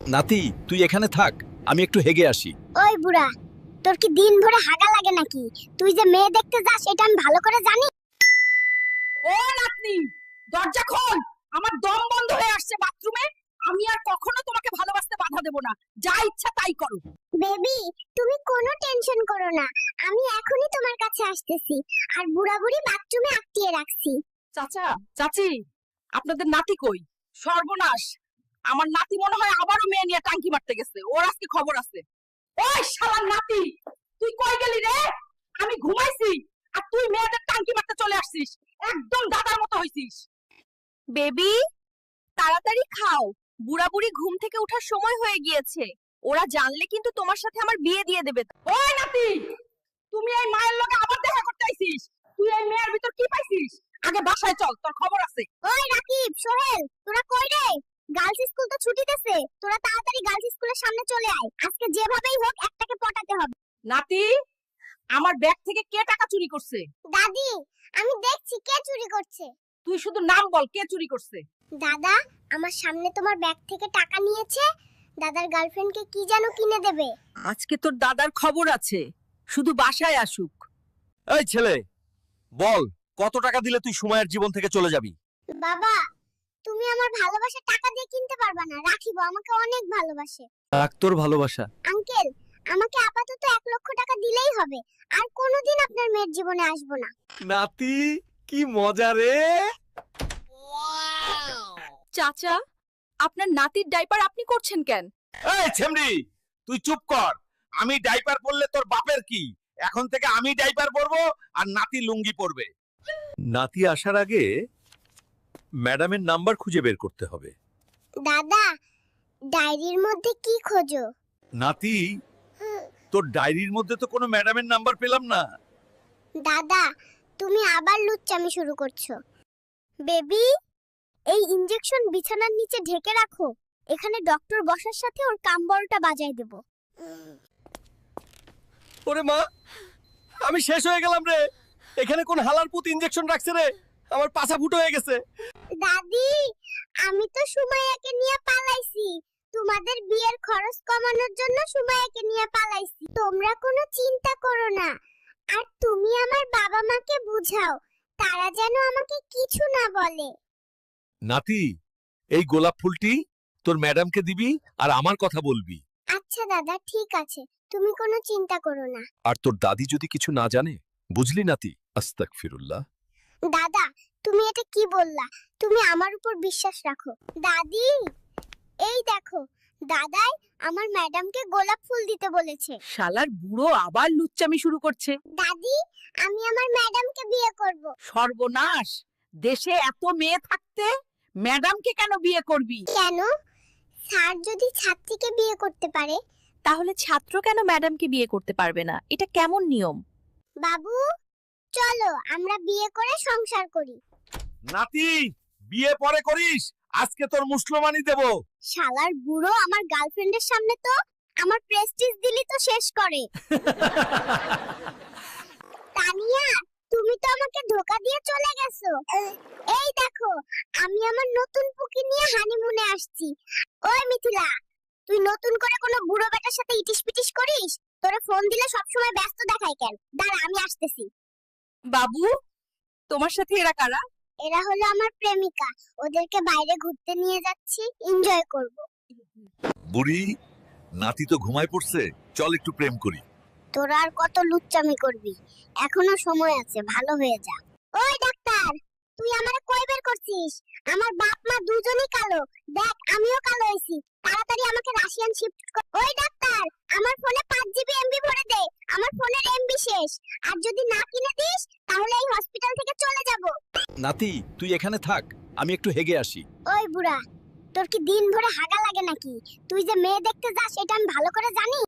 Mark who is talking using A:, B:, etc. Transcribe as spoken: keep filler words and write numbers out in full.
A: নাতি তুই এখানে থাক, আমি একটু হেগে আসি।
B: ওই বুড়া, তোর কি দিন ভরে হাগা লাগে নাকি? তুই যে মেয়ে দেখতে যাস সেটা আমি ভালো করে জানি।
C: ও নাতনি, দরজা খোল। আমার দম বন্ধ হয়ে আসছে বাথরুমে। আমি আর কখনো তোমাকে ভালোবাসতে বাধা দেব না। যা ইচ্ছা তাই করো।
B: বেবি, তুমি কোনো টেনশন করো না, আমি এখনই তোমার কাছে আসতেছি। আর বুড়া বুড়ি বাথরুমে আটকিয়ে রাখছি।
C: চাচা, চাচি, আপনাদের নাতি কই? সর্বনাশ, আমার নাতি মনে হয় আবারও মেয়ে নিয়ে টাঙ্কি মারতে গেছে। ওর আজকে খবর আছে। ওই শালার নাতি, তুই কই গেলি রে? আমি ঘুমাইছি আর তুই মেয়েদের টাঙ্কি মারতে চলে আসছিস। একদম দাদার মতো হইছিস।
D: বেবি, তাড়াতাড়ি খাও, বুড়া বুড়ি ঘুম থেকে ওঠার সময় হয়ে গিয়েছে। ওরা জানলে কিন্তু তোমার সাথে আমার বিয়ে দিয়ে দেবে।
C: ওই নাতি, তুমি এই মায়ের লগে আবার দেখা করতে আইছিস? তুই এই মেয়ের ভিতর কি পাইছিস? আগে বাসায় চল, তোর খবর আছে।
B: ওই রাকিব, সোহেল, তোরা কই রে? গার্লস স্কুল তো ছুটি দিছে, তোরা তাড়াতাড়ি গার্লস স্কুলের সামনে চলে আয়। আজকে যেভাবেই হোক একটাকে পটাতে হবে।
C: নাতি, আমার ব্যাগ থেকে কে টাকা চুরি করছে?
B: দাদি, আমি দেখছি কে চুরি করছে।
C: তুই শুধু নাম বল, কে চুরি করছে?
B: দাদা, আমার সামনে তোমার ব্যাগ থেকে টাকা নিয়েছে। দাদার গার্লফ্রেন্ডকে কি যেন কিনে দেবে।
C: আজকে তোর দাদার খবর আছে, শুধু বাসায় আসুক।
A: এই ছেলে, বল কত টাকা দিলে তুই সুমাইয়ের জীবন থেকে চলে যাবি?
B: বাবা, তুমি আমার ভালোবাসা টাকা দিয়ে কিনতে পারবা না। রাখিব আমাকে অনেক ভালোবাসে।
A: রাখ তোর ভালোবাসা।
B: আঙ্কেল, আমাকে আপাতত এক লক্ষ টাকা দিলেই হবে। আর কোনোদিন আপনার মেয়ের জীবনে আসবো না।
A: নাতি কি মজা রে।
D: চাচা, আপনার নাতির ডাইপার আপনি করছেন কেন?
A: এই ছেমড়ি, তুই চুপ কর। আমি ডাইপার পরলে তোর বাপের কি? এখন থেকে আমি ডাইপার পরবো আর নাতি লুঙ্গি পরবে। নাতি আসার আগে ম্যাডামের নাম্বার খুঁজে বের করতে হবে।
B: দাদা, ডায়েরির মধ্যে কি খোঁজো?
A: নাতি, তোর ডায়েরির মধ্যে তো কোনো ম্যাডামের নাম্বার পেলাম না।
B: দাদা, তুমি আবার লুচ্চামি শুরু করছো। বেবি, এই ইনজেকশন বিছানার নিচে ঢেকে রাখো। এখানে ডক্টর বসার সাথে ওর কামবলটা বাজায় দেব।
A: ওরে মা, আমি শেষ হয়ে গেলাম রে। এখানে কোন হালার পুত ইনজেকশন রাখছে রে? আমার পাছা ফুটো হয়ে গেছে।
B: দাদি, আমি তো সুমাইয়াকে নিয়ে পালাইছি। তোমাদের বিয়ের খরচ কমানোর জন্য সুমাইয়াকে নিয়ে পালাইছি। তোমরা কোনো চিন্তা করো না। আর তুমি আমার বাবা মাকে বুঝাও, তারা যেন আমাকে কিছু না বলে।
A: নাতি, এই গোলাপ ফুলটি তোর ম্যাডামকে দিবি আর আমার কথা বলবি।
B: আচ্ছা দাদা, ঠিক আছে, তুমি কোনো চিন্তা করো না।
A: আর তোর দাদি যদি কিছু না জানে, বুঝলি নাতি? আস্তাগফিরুল্লাহ।
B: দাদা, তুমি এটা কি বললা? তুমি আমার উপর বিশ্বাস রাখো। দাদি, এই দেখো, দাদাই আমার ম্যাডামকে গোলাপ ফুল দিতে বলেছে।
C: শালার বুড়ো আবার লুচ্চামি শুরু করছে।
B: দাদি, আমি আমার ম্যাডামকে বিয়ে করব।
C: সর্বনাশ, দেশে এত মেয়ে থাকতে ম্যাডামকে কেন বিয়ে করবি?
B: কেন? স্যার যদি ছাত্রীকে বিয়ে করতে পারে,
D: তাহলে ছাত্র কেন ম্যাডামকে বিয়ে করতে পারবে না? এটা কেমন নিয়ম?
B: বাবু চলো আমরা বিয়ে করে সংসার করি।
A: নাতি, বিয়ে পরে করিস, আজকে তোর মুসলমানি দেব।
B: শালার বুড়ো আমার গার্লফ্রেন্ডের সামনে তো আমার প্রেস্টিজ দিলি তো শেষ করে। তানিয়া, তুমি তো আমাকে ধোকা দিয়ে চলে গেছো। এই দেখো, আমি আমার নতুন পুকি নিয়ে হানিমুনে আসছি। ওই মিথিলা, তুই নতুন করে কোনো বুড়ো বেটার সাথে ইটিস পিটিস করিস? তোরে ফোন দিলে সবসময় ব্যস্ত দেখায় কেন? দাঁড়া, আমি আসতেছি।
D: বাবু, তোমার সাথে এরা কারা?
B: এরা হলো আমার প্রেমিকা। ওদেরকে বাইরে ঘুরতে নিয়ে যাচ্ছি, এনজয় করব।
A: বুড়ি, নাতি তো ঘুমায় পড়ছে, চল একটু প্রেম করি।
B: তোরা আর কত লুচ্চামি করবি? এখনো সময় আছে, ভালো হয়ে যা। ওই ডাক্তার, তুই আমারে কই বের করছিস? আমার বাপ মা দুজনেই কালো। দেখ, আমিও কালো হইছি। তাড়াতাড়ি আমাকে রাশিয়ান শিফট কর। ওই ডাক্তার, আমার ফোনে পাঁচ জিবি এমবি ভরে দে। আমার ফোনের এমবি শেষ। আর যদি না কিনে দিস তাহলে এই হসপিটাল থেকে চলে যাব।
A: নাতি, তুই এখানে থাক, আমি একটু হেগে আসি।
B: ওই বুড়া, তোর কি দিন ভরে হাগা লাগে নাকি? তুই যে মেয়ে দেখতে যাস সেটা আমি ভালো করে জানি।